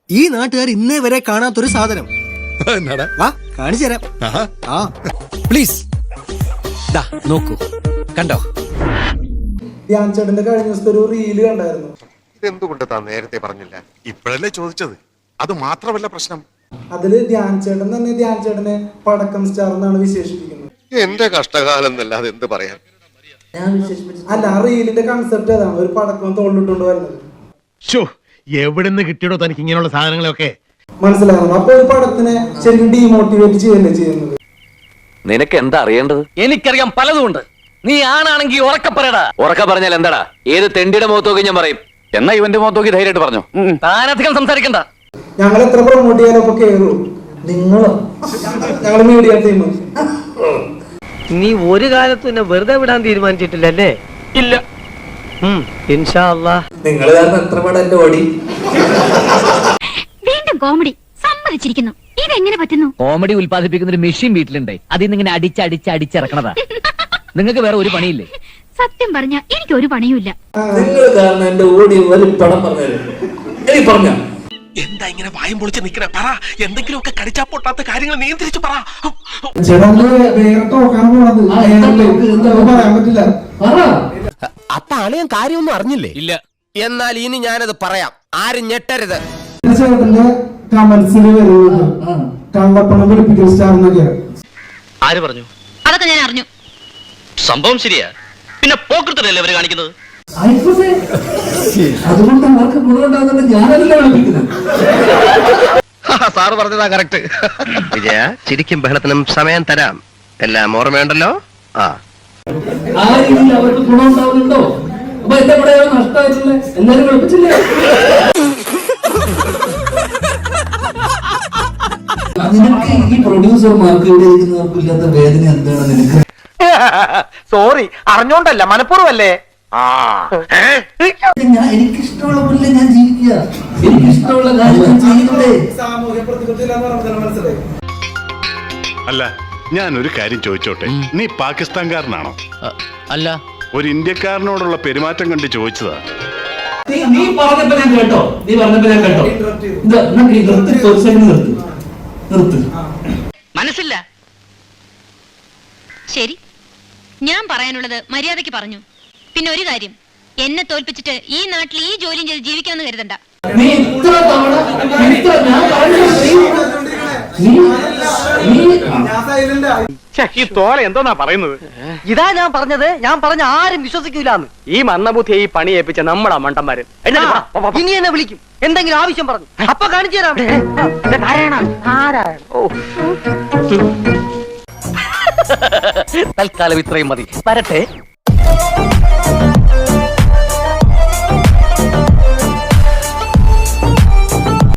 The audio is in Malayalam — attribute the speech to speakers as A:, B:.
A: ഈ നാട്ടുകാർ ഇന്നേ വരെ കാണാത്തൊരു സാധനം. വാ കാണിച്ചു തരാം. ആ പ്ലീസ് നോക്കൂ, കണ്ടോ?
B: ധ്യാൻ ചേട്ടന്റെ കഴിഞ്ഞ ദിവസത്തെ ഒരു റീല് കണ്ടായിരുന്നു.
C: ഇതെന്തുകൊണ്ട് താൻ നേരത്തെ പറഞ്ഞില്ല?
D: ഇപ്പോഴല്ലേ ചോദിച്ചത്. അത് മാത്രമല്ല പ്രശ്നം.
B: അതില് ധ്യാൻ ചേട്ടൻ തന്നെ ധ്യാൻ ചേട്ടനെ പടക്കം സ്റ്റാർ എന്നാണ് വിശേഷിപ്പിക്കുന്നത്.
C: എന്റെ കഷ്ടകാലം എന്നല്ലാതെ എന്ത് പറയാൻ.
B: അല്ല, ആ റീലിന്റെ കൺസെപ്റ്റ് അതാണ്, ഒരു പടക്കം തോളിലിട്ടുകൊണ്ട് വരുന്നത്.
E: എവിടുന്ന് കിട്ടിയോ തനിക്ക് ഇങ്ങനെയുള്ള സാധനങ്ങളൊക്കെ
B: മനസ്സിലാകുന്നു. അപ്പൊ ഒരു പടത്തിനെ ശരിക്കും ഡീമോട്ടിവേറ്റ് ചെയ്യല്ലേ ചെയ്യുന്നത്.
F: നിനക്ക് എന്താ അറിയേണ്ടത്?
G: എനിക്കറിയാം പലതുമുണ്ട്. നീ ആണാണെങ്കിൽ ഉറക്ക പറയടാ.
F: ഉറക്ക പറഞ്ഞാൽ എന്താടാ? ഏത് തെണ്ടിയുടെ മുഖത്ത് നോക്കി ഞാൻ പറയും. എന്നാ ഇവന്റെ മുഖത്ത് നോക്കി ധൈര്യമായിട്ട് പറഞ്ഞു.
G: താനധികം സംസാരിക്കണ്ട.
B: ഞങ്ങൾ എത്ര പ്രൊമോട്ട് ചെയ്യാനൊക്കെ കേറൂ. നിങ്ങളോ? ഞങ്ങള് മീഡിയ ടീം.
H: നീ ഒരു കാലത്തും എന്നെ വെറുതെ വിടാൻ തീരുമാനിച്ചിട്ടില്ലല്ലേ?
G: ഇല്ല.
H: ഇൻഷാ അല്ലാഹ്.
B: നിങ്ങൾ കാരണം എത്ര പടം എന്റെ ഓടി.
I: വീണ്ടും കോമഡി സമ്മതിച്ചിരിക്കുന്നു. ഇതെങ്ങനെ പറ്റുന്നു?
G: കോമഡി ഉൽപ്പാദിപ്പിക്കുന്ന ഒരു മെഷീൻ വീട്ടിലുണ്ട്. അതിൽ നിന്ന് ഇങ്ങനെ അടിച്ചടിച്ചിറക്കണതാ. നിങ്ങൾക്ക് വേറെ ഒരു പണിയില്ലേ?
I: സത്യം പറഞ്ഞ എനിക്ക് ഒരു പണിയുമില്ല.
H: നിങ്ങൾ കാരണം എന്റെ ഓടി ഒരു പടം പറഞ്ഞു.
E: എന്താ ഇങ്ങനെ വായും പൊളിച്ച് നിക്കണ? പറ, എന്തെങ്കിലുമൊക്കെ കടിച്ചാ പൊട്ടാത്ത കാര്യങ്ങൾ നിയന്ത്രിച്ചു പറ.
B: പറയാൻ പറ്റില്ല.
A: അപ്പൊ അളിയൻ കാര്യമൊന്നും അറിഞ്ഞില്ലേ?
G: ഇല്ല.
A: എന്നാൽ ഇനി ഞാനത് പറയാം, ആരും ഞെട്ടരുത്.
B: ചേട്ടന്റെ കമന്റ്സിൽ വരുന്നത് കള്ളപ്പണം വെളുപ്പിക്കൽ സ്റ്റാർ എന്നൊക്കെ.
G: ആര് പറഞ്ഞു?
I: അതൊക്കെ ഞാൻ അറിഞ്ഞു.
G: സംഭവം ശരിയാ. പിന്നെ പോക്കൃത്തല്ലേ അവര് കാണിക്കുന്നത്?
H: അതുകൊണ്ട് അവർക്ക് ഗുണമുണ്ടാകുന്ന ഞാനല്ല വിളിപ്പിക്കുന്നത്.
C: സാറ് പറഞ്ഞതാ കറക്റ്റ്. വിജയ, ചിരിക്കും ബഹളത്തിനും സമയം തരാം. എല്ലാം ഓർമ്മയുണ്ടല്ലോ.
H: ആ രീതിയിൽ അവർക്ക് ഗുണമുണ്ടാവുന്നുണ്ടോ? അപ്പൊ എന്റെ കൂടെ നഷ്ടമായിട്ടില്ലേ? എല്ലാരും വിളിപ്പിച്ചില്ലേ? നിനക്ക് ഈ പ്രൊഡ്യൂസർമാർക്ക് ഇവിടെ ഇരിക്കുന്നവർക്ക് ഇല്ലാത്ത വേദന എന്താണ് നിനക്ക്?
G: സോറി, അറിഞ്ഞോണ്ടല്ല, മനഃപൂർവ്വല്ലേ.
H: എനിക്കിഷ്ടമുള്ള പോലെ ഞാൻ ജീവിക്കുക. എനിക്കിഷ്ടമുള്ള കാര്യം ചെയ്യുന്നതേ.
B: സാമൂഹ്യ പ്രതിബദ്ധത മനസ്സിലായി.
D: അല്ല, ഞാനൊരു കാര്യം ചോദിച്ചോട്ടെ. നീ പാകിസ്ഥാൻകാരനാണോ?
G: അല്ല.
D: ഒരു ഇന്ത്യക്കാരനോടുള്ള പെരുമാറ്റം കണ്ട് ചോദിച്ചതാ.
H: നീ പറഞ്ഞപ്പോ ഞാൻ കേട്ടോ. നിർത്ത്.
I: മനസ്സില്ല. ശരി, ഞാൻ പറയാനുള്ളത് മര്യാദയ്ക്ക് പറഞ്ഞു. പിന്നെ ഒരു കാര്യം, എന്നെ തോൽപ്പിച്ചിട്ട് ഈ നാട്ടിൽ ഈ ജോലിയും ചെയ്ത് ജീവിക്കാമെന്ന് കരുതണ്ട.
H: നീ ഇത്ര തവണ
G: ഈ തോല എന്തോന്നാ പറയുന്നത്?
H: ഇതാ ഞാൻ പറഞ്ഞത്. ഞാൻ പറഞ്ഞ ആരും വിശ്വസിക്കൂലെന്ന്.
G: ഈ മന്ദബുദ്ധിയെ ഈ പണി ഏൽപ്പിച്ച നമ്മളാ മണ്ടന്മാര്.
H: ഇനി എന്നെ വിളിക്കും, എന്തെങ്കിലും ആവശ്യം പറഞ്ഞു. അപ്പൊ കാണിച്ചു തരാം.
G: തൽക്കാലം ഇത്രയും മതി. വരട്ടെ.